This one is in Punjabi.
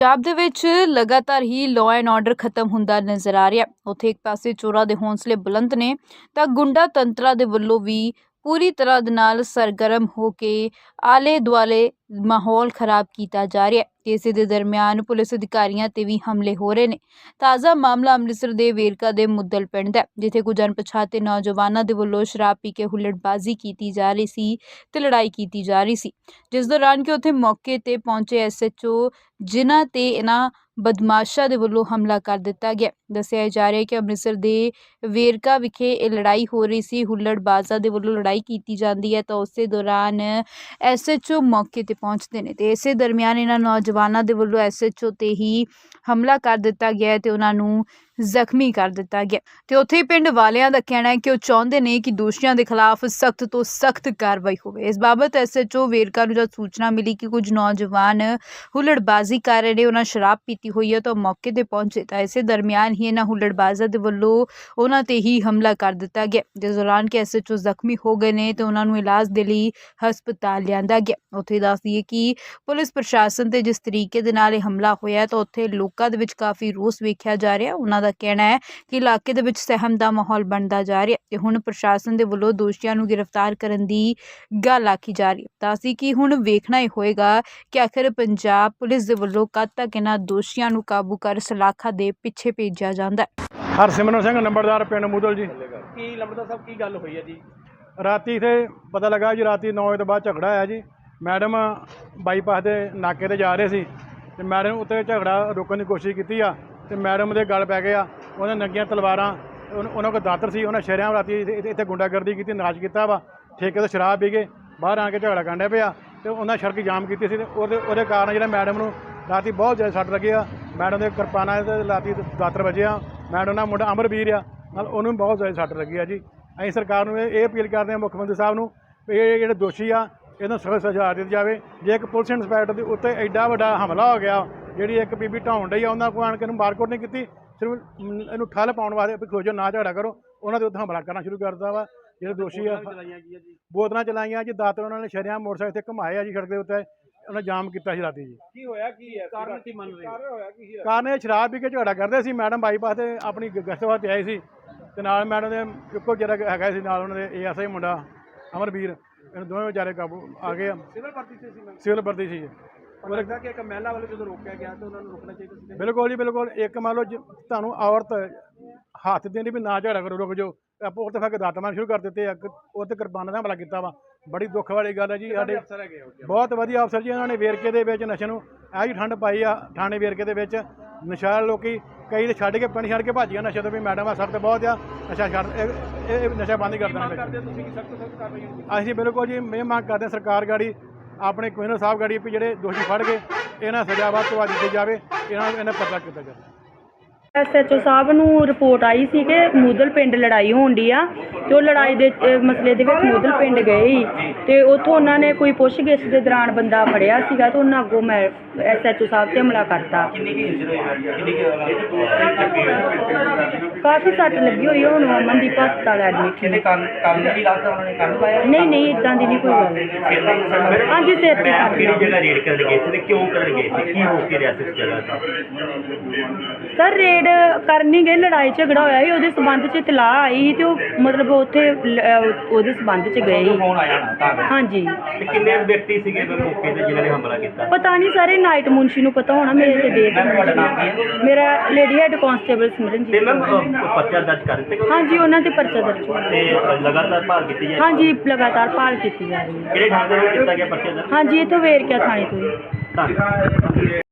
ਪੰਜਾਬ ਦੇ ਵਿੱਚ ਲਗਾਤਾਰ ਹੀ ਲਾਅ ਐਂਡ ਆਰਡਰ ਖਤਮ ਹੁੰਦਾ ਨਜ਼ਰ ਆ ਰਿਹਾ। ਉੱਥੇ ਇੱਕ ਪਾਸੇ ਚੋਰਾਂ ਦੇ ਹੌਸਲੇ ਬੁਲੰਦ ਨੇ ਤਾਂ ਗੁੰਡਾ ਤੰਤਰਾਂ ਦੇ ਵੱਲੋਂ ਵੀ ਪੂਰੀ ਤਰ੍ਹਾਂ ਦੇ ਨਾਲ ਸਰਗਰਮ ਹੋ ਕੇ ਆਲੇ ਦੁਆਲੇ ਮਾਹੌਲ ਖਰਾਬ ਕੀਤਾ ਜਾ ਰਿਹਾ ਹੈ। ਇਸੇ ਦੇ ਦਰਮਿਆਨ ਪੁਲਿਸ ਅਧਿਕਾਰੀਆਂ ਤੇ ਵੀ ਹਮਲੇ ਹੋ ਰਹੇ ਨੇ। ਤਾਜ਼ਾ ਮਾਮਲਾ ਅੰਮ੍ਰਿਤਸਰ ਦੇ ਵੇਰਕਾ ਦੇ ਮੁੱਦਲ ਪਿੰਡ ਦਾ, ਜਿੱਥੇ ਕੁਝ ਅਣਪਛਾਤੇ ਨੌਜਵਾਨਾਂ ਦੇ ਵੱਲੋਂ ਸ਼ਰਾਬ ਪੀ ਕੇ ਹੁੱਲੜਬਾਜ਼ੀ ਕੀਤੀ ਜਾ ਰਹੀ ਸੀ ਤੇ ਲੜਾਈ ਕੀਤੀ ਜਾ ਰਹੀ ਸੀ, ਜਿਸ ਦੌਰਾਨ ਕਿ ਉੱਥੇ ਮੌਕੇ ਤੇ ਪਹੁੰਚੇ ਐਸਐਚਓ ਜਿਨ੍ਹਾਂ ਤੇ ਇਹਨਾਂ ਬਦਮਾਸ਼ਾਂ ਦੇ ਵੱਲੋਂ ਹਮਲਾ ਕਰ ਦਿੱਤਾ ਗਿਆ। ਦੱਸਿਆ ਜਾ ਰਿਹਾ ਹੈ ਕਿ ਅੰਮ੍ਰਿਤਸਰ ਦੇ ਵੇਰਕਾ ਵਿਖੇ ਇਹ ਲੜਾਈ ਹੋ ਰਹੀ ਸੀ। ਹੁੱਲੜਬਾਜ਼ਾਂ ਦੇ ਵੱਲੋਂ ਲੜਾਈ ਕੀਤੀ ਜਾਂਦੀ ਹੈ ਤਾਂ ਉਸੇ ਦੌਰਾਨ ਐਸਐਚਓ ਮੌਕੇ ਤੇ ਪਹੁੰਚਦੇ ਨੇ ਤੇ ਇਸੇ ਦਰਮਿਆਨ ਇਹਨਾਂ ਨੌਜਵਾਨਾਂ ਦੇ ਵੱਲੋਂ ਐਸਐਚਓ ਤੇ ਹੀ ਹਮਲਾ ਕਰ ਦਿੱਤਾ ਗਿਆ ਤੇ ਉਹਨਾਂ ਨੂੰ ਜ਼ਖਮੀ ਕਰ ਦਿੱਤਾ ਗਿਆ। ਤੇ ਉੱਥੇ ਹੀ ਪਿੰਡ ਵਾਲਿਆਂ ਦਾ ਕਹਿਣਾ ਹੈ ਕਿ ਉਹ ਚਾਹੁੰਦੇ ਨੇ ਕਿ ਦੋਸ਼ੀਆਂ ਦੇ ਖਿਲਾਫ ਸਖਤ ਤੋਂ ਸਖਤ ਕਾਰਵਾਈ ਹੋਵੇ। ਇਸ ਬਾਬਤ ਐਸਐਚਓ ਵੇਰਕਾ ਨੂੰ ਜਦ ਸੂਚਨਾ ਮਿਲੀ ਕਿ ਕੁਝ ਨੌਜਵਾਨ ਹੁੱਲੜਬਾਜ਼ੀ ਕਰ ਰਹੇ ਨੇ, ਉਹਨਾਂ ਸ਼ਰਾਬ ਪੀਤੀ ਹੋਈ ਹੈ ਤਾਂ ਮੌਕੇ ਤੇ ਪਹੁੰਚੇ ਤਾਂ ਇਸੇ ਦਰਮਿਆਨ ਹੀ ਇਹਨਾਂ ਹੁੱਲੜਬਾਜ਼ਾਂ ਦੇ ਵੱਲੋਂ ਉਹਨਾਂ ਤੇ ਹੀ ਹਮਲਾ ਕਰ ਦਿੱਤਾ ਗਿਆ, ਜਿਸ ਦੌਰਾਨ ਕਿ ਐਸਐਚਓ ਜ਼ਖਮੀ ਹੋ ਗਏ ਨੇ ਤੇ ਉਹਨਾਂ ਨੂੰ ਇਲਾਜ ਦੇ ਲਈ ਹਸਪਤਾਲ ਲਿਆਂਦਾ ਗਿਆ। ਉੱਥੇ ਦੱਸ ਦਈਏ ਕਿ ਪੁਲਿਸ ਪ੍ਰਸ਼ਾਸਨ ਤੇ ਜਿਸ ਤਰੀਕੇ ਦੇ ਨਾਲ ਇਹ ਹਮਲਾ ਹੋਇਆ ਤਾਂ ਉੱਥੇ ਲੋਕਾਂ ਦੇ ਵਿੱਚ ਕਾਫੀ ਰੋਸ ਵੇਖਿਆ ਜਾ ਰਿਹਾ। ਉਹਨਾਂ ਦਾ ਕਹਿਣਾ ਹੈ ਕਿ ਇਲਾਕੇ ਦੇ ਵਿੱਚ ਸਹਿਮ ਦਾ ਮਾਹੌਲ ਬਣਦਾ ਜਾ ਰਿਹਾ ਤੇ ਹੁਣ ਪ੍ਰਸ਼ਾਸਨ ਦੇ ਵੱਲੋਂ ਦੋਸ਼ੀਆਂ ਨੂੰ ਗ੍ਰਿਫਤਾਰ ਕਰਨ ਦੀ ਗੱਲ ਆਖੀ ਜਾ ਰਹੀ ਹੈ। ਤਾਂ ਅਸੀਂ ਕਿ ਹੁਣ ਵੇਖਣਾ ਹੀ ਹੋਏਗਾ ਕਿ ਆਖਿਰ ਪੰਜਾਬ ਪੁਲਿਸ ਦੇ ਵੱਲੋਂ ਕਦ ਤੱਕ ਇਹਨਾਂ ਦੋਸ਼ੀਆਂ ਨੂੰ ਕਾਬੂ ਕਰ ਸਲਾਖਾਂ ਦੇ ਪਿੱਛੇ ਭੇਜਿਆ ਜਾਂਦਾ ਹੈ। ਹਰਸਿਮਰਨ ਸਿੰਘ ਨੰਬਰਦਾਰ ਪਿੰਡ ਮੁੱਦਲ ਜੀ। ਕੀ ਲੰਬੜਦਾਰ ਸਾਹਿਬ ਕੀ ਗੱਲ ਹੋਈ ਹੈ ਜੀ? ਰਾਤੀ ਇੱਥੇ ਪਤਾ ਲੱਗਾ ਜੀ, ਰਾਤੀ 9 ਵਜੇ ਤੋਂ ਬਾਅਦ ਝਗੜਾ ਆਇਆ ਜੀ। ਮੈਡਮ ਬਾਈਪਾਸ ਦੇ ਨਾਕੇ ਤੇ ਜਾ ਰਹੇ ਸੀ ਤੇ ਮੈਡਮ ਉੱਤੇ ਝਗੜਾ ਰੋਕਣ ਦੀ ਕੋਸ਼ਿਸ਼ ਕੀਤੀ ਆ ਤੇ ਮੈਡਮ ਦੇ ਗਲ ਪੈ ਗਏ ਆ। ਉਹਨਾਂ ਨੰਗੀਆਂ ਤਲਵਾਰਾਂ, ਉਹਨਾਂ ਕੋਲ ਦਾਤਰ ਸੀ। ਉਹਨਾਂ ਸ਼ਹਿਰਾਂ ਰਾਤੀ ਇੱਥੇ ਗੁੰਡਾਗਰਦੀ ਕੀਤੀ, ਨਾਚ ਕੀਤਾ ਵਾ। ਠੇਕੇ ਤੋਂ ਸ਼ਰਾਬ ਪੀ ਕੇ ਬਾਹਰ ਆ ਕੇ ਝਗੜਾ ਕਰਨ ਪਿਆ ਤੇ ਉਹਨਾਂ ਸੜਕ ਜਾਮ ਕੀਤੀ ਸੀ ਤੇ ਉਹਦੇ ਕਾਰਨ ਜਿਹੜਾ ਮੈਡਮ ਨੂੰ ਰਾਤੀ ਬਹੁਤ ਜ਼ਿਆਦਾ ਸੱਟ ਲੱਗੀ ਆ। ਮੈਡਮ ਦੇ ਕਿਰਪਾਨਾਂ ਤੇ ਰਾਤੀ ਦਾਤਰ ਵੱਜੇ ਆ। ਮੈਡਮ ਦਾ ਮੁੰਡਾ ਅਮਰਵੀਰ ਆ, ਨਾਲ ਉਹਨੂੰ ਬਹੁਤ ਜ਼ਿਆਦਾ ਸੱਟ ਲੱਗੀ ਆ ਜੀ। ਅਸੀਂ ਸਰਕਾਰ ਨੂੰ ਇਹ ਅਪੀਲ ਕਰਦੇ ਹਾਂ, ਮੁੱਖ ਮੰਤਰੀ ਸਾਹਿਬ ਨੂੰ, ਇਹ ਜਿਹੜੇ ਦੋਸ਼ੀ ਆ ਇਹਨਾਂ ਸਖਤ ਸਜ਼ਾ ਦਿੱਤੀ ਜਾਵੇ। ਜੇ ਇੱਕ ਪੁਲਿਸ ਇੰਸਪੈਕਟਰ ਦੇ ਉੱਤੇ ਐਡਾ ਵੱਡਾ ਹਮਲਾ ਹੋ ਗਿਆ, ਜਿਹੜੀ ਇੱਕ ਬੀਬੀ ਢਾਉਣ ਡਈ ਆ, ਉਹਨਾਂ ਕੋਲ ਆਣ ਕੇ ਇਹਨੂੰ ਮਾਰਕੁੱਟ ਨਹੀਂ ਕੀਤੀ, ਸਿਰਫ ਇਹਨੂੰ ਠੱਲ ਪਾਉਣ ਵਾਸਤੇ ਖੋਜੋ ਨਾ ਝਗੜਾ ਕਰੋ, ਉਹਨਾਂ ਦੇ ਉੱਤੇ ਹਮਲਾ ਕਰਨਾ ਸ਼ੁਰੂ ਕਰ ਦਿੱਤਾ ਵਾ। ਜਿਹੜੇ ਦੋਸ਼ੀ ਆ ਬੋਤਲਾਂ ਚਲਾਈਆਂ ਜੀ, ਦਾਤਰ ਉਹਨਾਂ ਨੇ ਸ਼ਰਿਆਂ ਮੋਟਰਸਾਈਕਲ ਤੇ ਘੁਮਾਏ ਆ ਜੀ ਸੜਕ ਦੇ ਉੱਤੇ। ਉਹਨਾਂ ਜਾਮ ਕੀਤਾ ਸੀ ਰਾਤੀ ਜੀ। ਕੀ ਹੋਇਆ ਕੀ ਹੈ? ਕਾਰਨ ਕੀ ਮੰਨ ਰਹੇ? ਕਾਰਨ ਇਹ ਸ਼ਰਾਬ ਪੀ ਕੇ ਝਗੜਾ ਕਰਦੇ ਸੀ। ਮੈਡਮ ਬਾਈਪਾਸ ਤੇ ਆਪਣੀ ਗਸ਼ਤ ਵਾਸਤੇ ਆਏ ਸੀ ਤੇ ਨਾਲ ਮੈਡਮ ਦੇ ਇੱਕੋ ਜਿਹੜਾ ਹੈਗਾ ਸੀ ਨਾਲ ਉਹਨਾਂ ਦੇ ਏਐਸਆਈ ਮੁੰਡਾ ਅਮਰਵੀਰ, ਇਹਨਾਂ ਦੋਵੇਂ ਵਿਚਾਰੇ ਕਾਬੂ ਆ ਗਏ ਆ। ਸਿਵਲ ਭਰਤੀ ਸੀ? ਸਿਵਲ ਭਰਤੀ ਸੀ। ਉਹ ਲੱਗਦਾ ਕਿ ਇੱਕ ਮਹਿਲਾ ਵਾਲੇ ਜਦੋਂ ਰੋਕਿਆ ਗਿਆ ਤਾਂ ਉਹਨਾਂ ਨੂੰ ਰੁਕਣਾ ਚਾਹੀਦਾ ਸੀ। ਬਿਲਕੁਲ ਜੀ, ਬਿਲਕੁਲ। ਇੱਕ ਮੰਨ ਲਓ ਤੁਹਾਨੂੰ ਔਰਤ ਹੱਥ ਦੇਣੀ ਵੀ ਨਾ ਝਗੜਾ ਕਰੋ, ਰੁਕ ਜਾਓ, ਆਪਾਂ ਉੱਥੇ ਫਿਰ ਦਾਤ ਮਾਰਨ ਸ਼ੁਰੂ ਕਰ ਦਿੱਤੇ ਆ। ਉੱਥੇ ਕਿਰਪਾਨਾਂ ਦਾ ਹਮਲਾ ਕੀਤਾ ਵਾ। ਬੜੀ ਦੁੱਖ ਵਾਲੀ ਗੱਲ ਹੈ ਜੀ। ਸਾਡੇ ਬਹੁਤ ਵਧੀਆ ਅਫਸਰ ਜੀ, ਉਹਨਾਂ ਨੇ ਵੇਰਕੇ ਦੇ ਵਿੱਚ ਨਸ਼ੇ ਨੂੰ ਇਹ ਜੀ ਠੰਡ ਪਾਈ ਆ। ਥਾਣੇ ਵੇਰਕੇ ਦੇ ਵਿੱਚ ਨਸ਼ਾ ਲੋਕੀ ਕਈ ਤੇ ਛੱਡ ਕੇ ਪਿੰਡ ਛੱਡ ਕੇ ਭੱਜ ਗਿਆ ਨਸ਼ੇ ਤੋਂ ਵੀ। ਮੈਡਮ ਆ ਸਖਤ ਬਹੁਤ ਆ, ਨਸ਼ਾ ਛੱਡ ਇਹ ਨਸ਼ਾ ਬੰਦ ਹੀ ਕਰ ਦੇਣਾ। ਅਸੀਂ ਬਿਲਕੁਲ ਜੀ ਇਹ ਮੰਗ ਕਰਦੇ ਹਾਂ ਸਰਕਾਰ ਗਾੜੀ, ਆਪਣੇ ਕਮਿਸ਼ਨਰ ਸਾਹਿਬ ਗਾੜੀ, ਵੀ ਜਿਹੜੇ ਦੋਸ਼ੀ ਫੜ ਕੇ ਇਹਨਾਂ ਸਜ਼ਾ ਵੱਧ ਤੋਂ ਵੱਧ ਦਿੱਤੀ ਜਾਵੇ, ਇਹਨਾਂ ਪਰਚਾ ਕੀਤਾ ਜਾਵੇ। ਐਸਐਚਓ ਸਾਹਿਬ ਨੂੰ ਰਿਪੋਰਟ ਆਈ ਸੀ ਕਿ ਮੁੱਦਲ ਪਿੰਡ ਲੜਾਈ ਹੋਣ ਦੀ ਆ ਤੇ ਉਹ ਲੜਾਈ ਦੇ ਮਸਲੇ ਦੇ ਵਿੱਚ ਮੁੱਦਲ ਪਿੰਡ ਗਏ ਸੀ ਤੇ ਉੱਥੋਂ ਉਹਨਾਂ ਨੇ ਕੋਈ ਪੁੱਛਗਿੱਛ ਦੇ ਦੌਰਾਨ ਬੰਦਾ ਫੜਿਆ ਸੀਗਾ ਤੇ ਉਹਨਾਂ ਅੱਗੋਂ ਮੈਂ ਐਸਐਚਓ ਸਾਹਿਬ ਤੇ ਹਮਲਾ ਕਰਤਾ। ਕਾਫੀ ਸੱਟ ਲੱਗੀ ਹੋਈ, ਹੁਣ ਅਮਨਦੀਪ ਹਸਪਤਾਲ ਐਡਮਿਟ। ਨਹੀਂ ਇੱਦਾਂ ਦੀ ਨਹੀਂ ਕੋਈ ਗੱਲ। ਹਾਂਜੀ, ਸਿਰ ਤੇ ਸਰ ਰੇਡ ਕਰਨੀ ਗਏ, ਲੜਾਈ ਝਗੜਾ ਹੋਇਆ ਸੀ, ਉਹਦੇ ਸੰਬੰਧ 'ਚ ਇਤਲਾਹ ਆਈ ਸੀ ਤੇ ਉਹ ਮਤਲਬ ਉੱਥੇ ਉਹਦੇ ਸੰਬੰਧ 'ਚ ਗਏ ਸੀ। ਹਾਂਜੀ। ਕਿੰਨੇ ਵਿਅਕਤੀ ਸੀਗੇ ਮੌਕੇ ਤੇ ਜਿਨ੍ਹਾਂ ਨੇ ਹਮਲਾ ਕੀਤਾ? ਪਤਾ ਨਹੀਂ ਸਾਰੇ, ਨਾਈਟ ਮੁਨਸ਼ੀ ਨੂੰ ਪਤਾ ਹੋਣਾ। ਮੇਰੇ ਤੇ ਦੇਖ ਮੇਰਾ ਲੇਡੀ ਹੈਡ ਕਾਂਸਟੇਬਲ ਸਿਮਰਨਜੀਤ। ਤੇ ਮੈਮ ਪਰਚਾ ਦਰਜ ਕਰ ਦਿੱਤੇ? ਹਾਂਜੀ, ਉਹਨਾਂ ਤੇ ਪਰਚਾ ਦਰਜ ਹੋਇਆ ਤੇ ਲਗਾਤਾਰ ਭਾਲ ਕੀਤੀ ਜਾ ਰਹੀ ਹੈ? ਹਾਂਜੀ, ਲਗਾਤਾਰ ਭਾਲ ਕੀਤੀ ਜਾ ਰਹੀ ਹੈ। ਕਿਹੜੇ ਥਾਣੇ ਤੋਂ ਕੀਤਾ ਗਿਆ ਪਰਚਾ ਦਰਜ? ਹਾਂਜੀ, ਇੱਥੋਂ ਵੇਰਕਿਆ ਥਾਣੇ ਤੋਂ ਹੀ। ਧੰਨਵਾਦ।